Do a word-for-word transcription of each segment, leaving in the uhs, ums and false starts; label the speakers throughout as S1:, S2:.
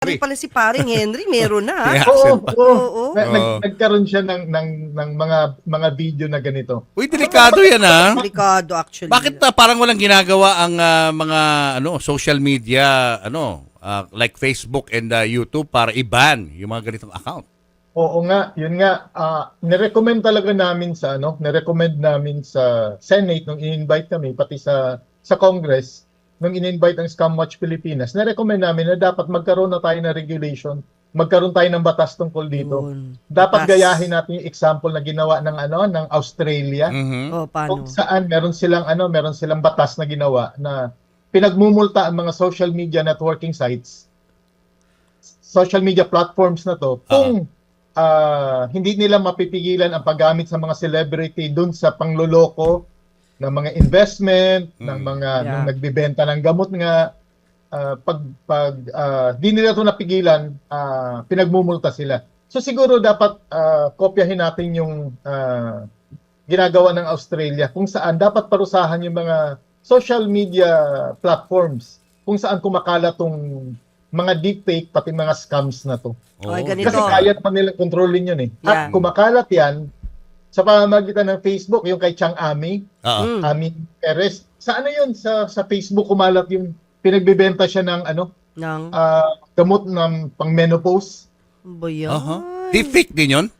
S1: Pare pala si paring Henry, meron na.
S2: May
S1: Ha?
S2: accent
S3: Oo,
S2: pa.
S3: oo.
S1: Oo.
S3: Na- nag-
S2: Oo.
S3: nagkaroon siya ng, ng, ng mga mga video na ganito.
S2: Uy, delikado yan ha.
S1: Delikado actually.
S2: Bakit na parang walang ginagawa ang ah, mga ano social media ano ah, like Facebook and ah, YouTube para i-ban yung mga ganitong account?
S3: Oo nga, yun nga. ah nirecommend talaga namin sa ano, nirecommend namin sa Senate nung in-invite kami pati sa sa Congress nung in-invite ang Scam Watch Pilipinas. Nirecommend namin na dapat magkaroon na tayo ng regulation, magkaroon tayo ng batas tungkol dito.
S1: Yun.
S3: Dapat
S1: Batas.
S3: gayahin natin yung example na ginawa ng ano ng Australia.
S2: Mhm.
S1: Oh,
S3: Kung
S1: paano?
S3: saan meron silang ano, meron silang batas na ginawa na pinagmumulta ang mga social media networking sites, social media platforms na to, kung ah, hindi nila mapipigilan ang paggamit sa mga celebrity dun sa pangloloko ng mga investment, ng
S2: Mm.
S3: mga
S1: Yeah.
S3: nung nagbebenta ng gamot nga, ah, pag pag ah, di nila to napigilan, ah, pinagmumulta sila. So siguro dapat ah, kopyahin natin yung ah, ginagawa ng Australia kung saan dapat parusahan yung mga social media platforms kung saan kumakalat tong mga deepfake pati mga scams na to.
S1: Okay,
S2: Oo.
S1: ganito.
S3: Kasi kaya naman nilang kontrolin yun eh.
S1: Yeah.
S3: At kumakalat yan sa pamamagitan ng Facebook, yung kay Chang Ami,
S2: Oo.
S1: Mm.
S3: Ami Perez. Sa ano yun? Sa, sa Facebook kumalat yung pinagbebenta siya ng ano,
S1: Nang,
S3: ah, gamot ng pang-menopause.
S1: ba yan?
S2: Aha. Deepfake din yun?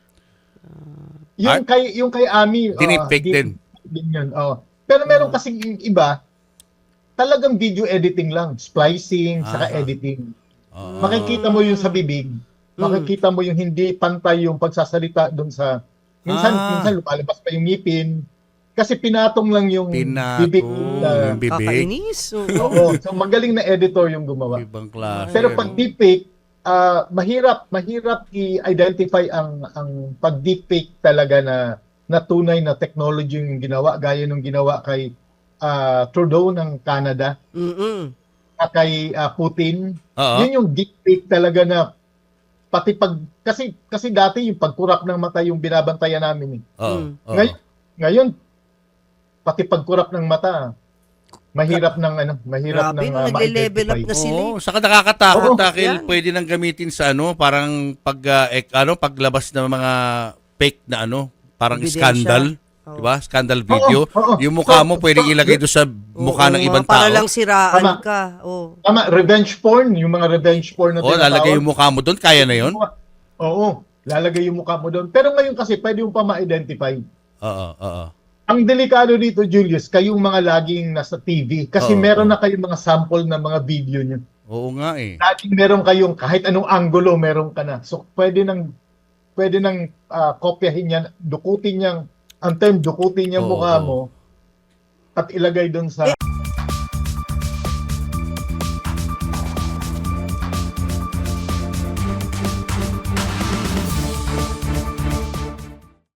S3: Yung kay yung kay Ami, ah,
S2: Dinipfake
S3: di-
S2: din.
S3: din yun. Oh. Pero meron kasing iba, talagang video editing lang, splicing, saka
S2: Aha.
S3: editing.
S2: Oo.
S3: Makikita mo yung sa bibig, makikita mo yung hindi pantay yung pagsasalita doon sa minsan
S2: Ah.
S3: minsan lumalabas pa yung ngipin kasi pinatong lang yung
S2: Pinatong
S3: bibig na,
S2: yung bibig.
S1: Kakainis. Oo.
S3: oo, so magaling na editor yung gumawa.
S2: Ibang klase.
S3: Pero
S2: ano?
S3: pag deepfake, ah, mahirap mahirap i-identify ang ang pag deepfake talaga na na tunay na technology yung ginawa gaya nung ginawa kay ah, Trudeau ng Canada
S1: Mm-mm.
S3: at kay ah, Putin.
S2: Oo.
S3: Yun yung deepfake talaga na pati pag kasi kasi dati yung pagkurap ng mata yung binabantayan namin eh.
S2: Oo.
S1: Mm.
S2: Oo.
S3: Ngayon, ngayon pati pagkurap ng mata mahirap ng ano, mahirap
S1: Grabe,
S3: ng
S1: no,
S3: ah,
S1: nagle-level up
S3: ma-identify.
S1: na sila.
S2: Oo, saka nakakatakot
S3: Oo,
S2: dahil
S1: yan.
S2: pwede nang gamitin sa ano, parang pag ah, ek, ano, paglabas ng mga fake na ano, parang
S1: Ebidensya.
S2: scandal,
S1: Oo.
S2: 'di ba? Scandal video.
S3: Oo, oo.
S2: Yung mukha
S3: So,
S2: mo pwedeng
S3: so,
S2: ilagay doon sa mukha
S1: Oo
S2: ng
S1: nga,
S2: ibang
S1: para
S2: tao.
S1: lang siraan
S3: Tama.
S1: ka. Oh.
S3: Tama, revenge porn, yung mga revenge porn na
S2: Oo, lalagay
S3: tinatawag.
S2: yung mukha mo doon, kaya na 'yon?
S3: Oo, lalagay yung mukha mo doon. Pero ngayon kasi pwede yung pa ma-identify.
S2: Oo, oo.
S3: Ang delikado dito, Julius, kayong mga laging nasa T V kasi
S2: Oo,
S3: meron
S2: oo.
S3: na kayong mga sample ng mga video nyo.
S2: Oo nga eh.
S3: Laging meron kayong kahit anong angulo meron ka na. So pwede nang pwede nang ah, kopyahin yan, dukutin yang ang term dukutin yung
S2: Oo,
S3: mukha
S2: oo.
S3: mo at ilagay doon sa
S1: Eh